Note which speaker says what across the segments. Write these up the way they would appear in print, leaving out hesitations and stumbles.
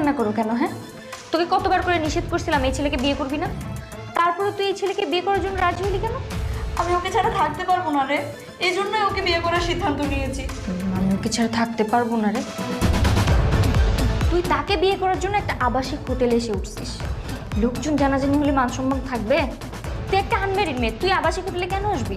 Speaker 1: কান্না করো কেন? হ্যাঁ, তোকে কতবার করে নিষেধ করছিলাম এই ছেলেকে বিয়ে করবি না, তারপরে তুই এই ছেলেকে বিয়ে করার জন্য রাজি হলি কেন?
Speaker 2: আমি ওকে ছাড়া থাকতে পারবো না রে, এই জন্যই ওকে বিয়ে করার সিদ্ধান্ত নিয়েছি।
Speaker 1: আমি ওকে ছাড়া থাকতে পারবো না রে। তুই তাকে বিয়ে করার জন্য একটা আবাসিক হোটেলে এসে উঠছিস, লোকজন জানাজানি হলে মান সম্মান থাকবে? তুই একটা আনম্যারিড মেয়ে, তুই আবাসিক হোটেলে কেন আসবি?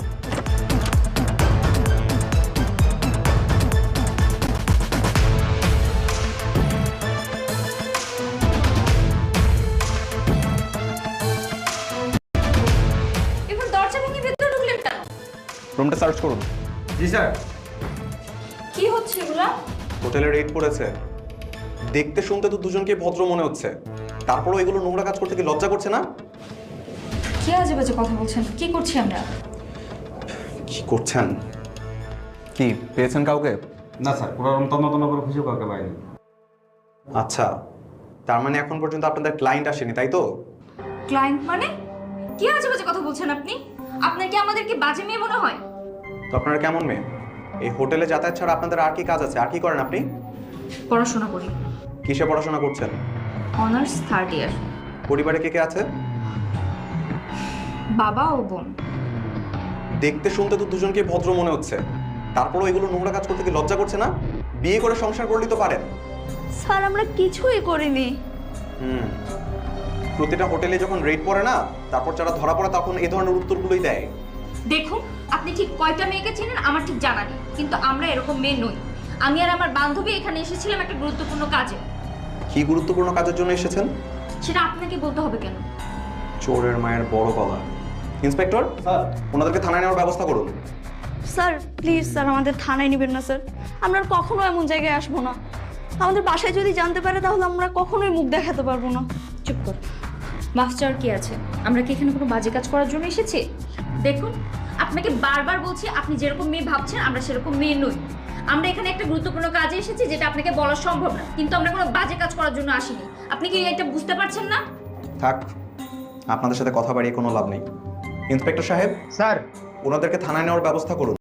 Speaker 1: এবার দরজা ভেঙে ভেতরে ঢুকলেন কেন?
Speaker 3: রুমটা সার্চ করুন।
Speaker 4: জি স্যার।
Speaker 1: কি হচ্ছে এগুলা?
Speaker 3: হোটেলে রেড পড়েছে। দেখতে শুনতে তো দুজনকে ভদ্র মনে হচ্ছে, তারপরও এগুলো নোংরা কাজ করতে কি লজ্জা করছে না?
Speaker 1: কি আজে বাজে কথা বলছেন? কি করছি আমরা?
Speaker 3: কি করছেন? কি পেয়েছেন কাউকে?
Speaker 4: না স্যার, পুরো রুম তন্ন তন্ন করে খুঁজে কাউকে পাইনি।
Speaker 3: আচ্ছা, তার মানে এখন পর্যন্ত আপনাদের ক্লায়েন্ট আসেনি, তাই তো?
Speaker 1: ক্লায়েন্ট মানে? কি আজে বাজে কথা বলছেন আপনি? আপনার কি আমাদেরকে বাজে মেয়ে মনে হয়?
Speaker 3: তো আপনারা কেমন মেয়ে? এই হোটেলে যাতায়াত ছাড়া আপনাদের আর কি কাজ আছে? আর কি করেন আপনি?
Speaker 1: পড়াশোনা করি,
Speaker 3: কিসে পড়াশোনা করছেন?
Speaker 1: Honours 3rd year.
Speaker 3: পরিবারে কে কে আছে?
Speaker 1: বাবা ও বোন।
Speaker 3: দেখতে শুনতে তো দুজনকে ভদ্র মনে হচ্ছে, তারপরও এগুলো নোংরা কাজ করতে কি লজ্জা করছে না? বিয়ে করে সংসার করলেই তো পারেন।
Speaker 2: স্যার আমরা কিছুই করিনি।
Speaker 3: প্রতিটা হোটেলে যখন রেড পড়ে না, তারপর যারা ধরা পড়ে তখন এই ধরনের উত্তরগুলোই দেয়।
Speaker 1: দেখুন, আপনি ঠিক কয়টা মেয়েকে চেনেন আমার ঠিক জানা নেই, কিন্তু আমরা এরকম মেয়ে নই। আমি আর আমার বান্ধবী এখানে এসেছিলাম একটা গুরুত্বপূর্ণ কাজে।
Speaker 3: কি গুরুত্বপূর্ণ কাজের জন্য এসেছেন?
Speaker 1: সেটা আপনাকে বলতে হবে কেন?
Speaker 3: চোরের মায়ের বড় গলা। Inspector
Speaker 4: sir.
Speaker 3: ওনাদেরকে থানায় নেওয়ার ব্যবস্থা করুন।
Speaker 2: স্যার প্লিজ স্যার, আমাদের থানায় নেবেন না স্যার, আমরা আর কখনো এমন জায়গায় আসবো না। আমাদের বাসায় যদি জানতে পারে তাহলে আমরা কখনোই মুখ দেখাতে পারবো না।
Speaker 1: চুপ কর। মাফ চাওয়ার কি আছে? আমরা কি এখানে কোনো বাজে কাজ করার জন্য এসেছি? দেখুন, আপনাকে বারবার বলছি, আপনি যেরকম মেয়ে ভাবছেন আমরা সেরকম মেয়ে নই। আমরা এখানে একটা গুরুত্বপূর্ণ কাজে এসেছি যেটা আপনাকে বলা সম্ভব না, কিন্তু আমরা কোনো বাজে কাজ করার জন্য আসিনি। আপনি কি এটা বুঝতে পারছেন না?
Speaker 3: থাক, আপনাদের সাথে কথা বাড়িয়ে কোনো লাভ নেই। ইন্সপেক্টর সাহেব
Speaker 4: স্যার।
Speaker 3: ওনাদেরকে থানায় নেওয়ার ব্যবস্থা করুন।